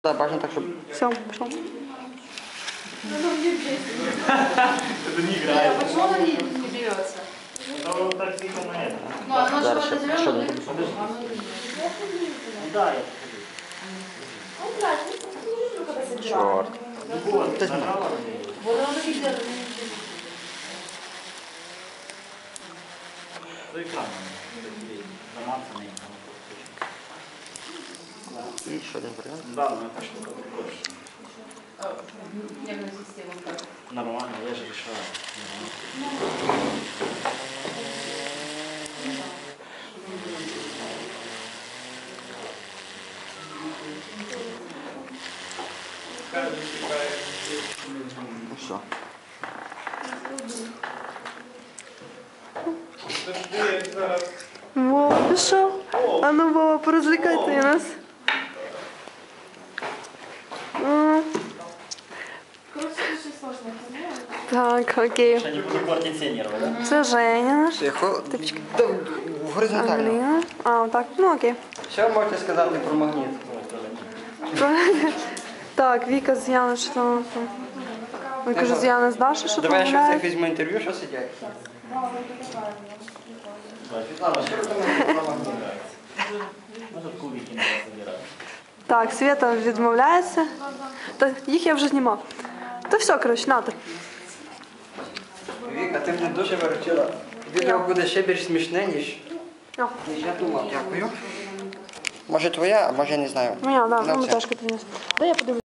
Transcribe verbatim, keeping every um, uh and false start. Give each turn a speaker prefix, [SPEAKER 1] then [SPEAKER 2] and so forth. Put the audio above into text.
[SPEAKER 1] Да, важно так, чтобы...
[SPEAKER 2] Все, пошел.
[SPEAKER 3] Это не играет.
[SPEAKER 4] Почему она не берется?
[SPEAKER 3] Ну, так тихо на это.
[SPEAKER 4] Ну, оно же
[SPEAKER 1] Дальше.
[SPEAKER 4] вот это
[SPEAKER 1] Что
[SPEAKER 4] зеленое.
[SPEAKER 1] не буду?
[SPEAKER 3] Да, я
[SPEAKER 1] Черт.
[SPEAKER 3] Вот, нажала.
[SPEAKER 4] Вот оно и держит.
[SPEAKER 3] За экраном. Замацанный.
[SPEAKER 1] И еще один вариант.
[SPEAKER 3] Да, но это что-то такое.
[SPEAKER 4] Нервная система как?
[SPEAKER 3] Нормально, я же решаю.
[SPEAKER 1] Ну все.
[SPEAKER 2] Вова пішов. А ну, Вова, порозвлекайте нас. М. Так, окей.
[SPEAKER 3] Я не буду портить все нервы, да?
[SPEAKER 2] Це Женя наш.
[SPEAKER 1] Тихо. Да, горизонтально.
[SPEAKER 2] Англія. А, так, ну окей.
[SPEAKER 1] Що можете сказати про магніт?
[SPEAKER 2] Так, Віка з Яни, що там? Ви кажу, з Яни з Даші, що
[SPEAKER 1] Давай я ще в цих
[SPEAKER 2] помовляє?
[SPEAKER 1] візьму інтерв'ю, що сидять. Світлана, що ви думаєте про магніт?
[SPEAKER 3] Может, кубики надо собирать.
[SPEAKER 2] Так, Свята відмовляється. Та їх я вже знімав. Та все, коротше, нате.
[SPEAKER 1] Віка, ти мене дуже виручила. Відео буде ще більш смішне, ніж,
[SPEAKER 2] О,
[SPEAKER 1] ніж я думав. Дякую. Може твоя, а може не знаю.
[SPEAKER 2] моя, да,
[SPEAKER 1] Ну,
[SPEAKER 2] ну,
[SPEAKER 1] все.
[SPEAKER 2] теж приніс. Дай я подивлюсь.